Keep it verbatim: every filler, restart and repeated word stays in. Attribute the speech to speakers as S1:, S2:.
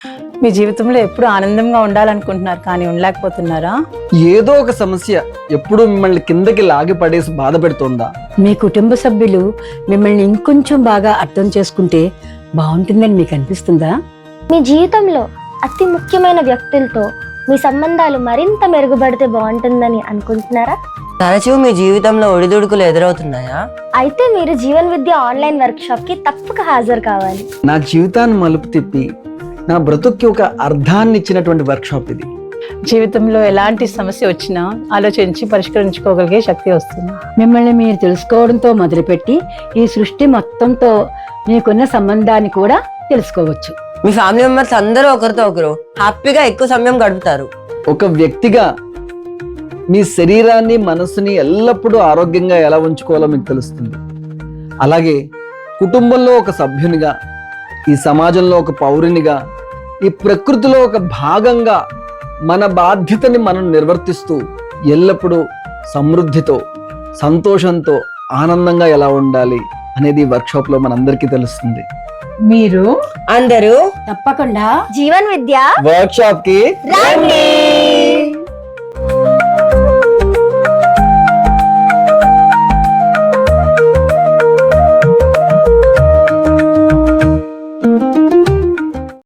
S1: మీ జీవితంలో ఎప్పుడు ఆనందంగా ఉండాలనుకుంటున్నారు కానీ ఉండలేకపోతున్నారా?
S2: ఏదో ఒక సమస్య ఎప్పుడు మిమ్మల్ని కిందకి లాగి పడేసి బాధ పెడుతుందా?
S3: మీ కుటుంబ సభ్యులు మిమ్మల్ని ఇంకొంచెం బాగా అర్థం చేసుకుంటే బాగుంటుందని మీకు అనిపిస్తుందా?
S4: మీ జీవితంలో అతి ముఖ్యమైన వ్యక్తులతో మీ సంబంధాలు మరింత మెరుగుపడితే బాగుంటుందని అనుకుంటున్నారా?
S5: తరచూ మీ జీవితంలో ఒడిదుడుకులు ఎదురవుతున్నాయా?
S4: అయితే మీరు Jeevan Vidya online workshop కి తప్పక హాజరు కావాలి.
S2: నా జీవితాన్ని మలుపు తిప్పి నా బ్రతుక్కి ఒక అర్థాన్ని ఇచ్చినటువంటి వర్క్ షాప్ ఇది.
S1: జీవితంలో ఎలాంటి సమస్య వచ్చినా ఆలోచించి పరిష్కరించుకోగలిగే శక్తి వస్తుంది.
S3: మిమ్మల్ని మీరు తెలుసుకోవడంతో మొదలుపెట్టి ఈ సృష్టి మొత్తంతో మీకున్న సంబంధాన్ని కూడా తెలుసుకోవచ్చు.
S5: మీ ఫ్యామిలీ మెంబర్స్ అందరూ ఒకరితో ఒకరు హ్యాపీగా ఎక్కువ సమయం గడుపుతారు.
S2: ఒక వ్యక్తిగా మీ శరీరాన్ని మనసుని ఎల్లప్పుడూ ఆరోగ్యంగా ఎలా ఉంచుకోవాలో మీకు తెలుస్తుంది. అలాగే కుటుంబంలో ఒక సభ్యునిగా, ఈ సమాజంలో ఒక పౌరునిగా, ఈ ప్రకృతిలో ఒక భాగంగా మన బాధ్యతని మనం నిర్వర్తిస్తూ ఎల్లప్పుడూ సమృద్ధితో, సంతోషంతో, ఆనందంగా ఎలా ఉండాలి అనేది వర్క్షాప్ లో మనందరికీ తెలుస్తుంది.
S1: మీరు
S5: అందరూ
S3: తప్పకుండా
S4: జీవన్ విద్య
S2: వర్క్షాప్ కి
S4: రండి.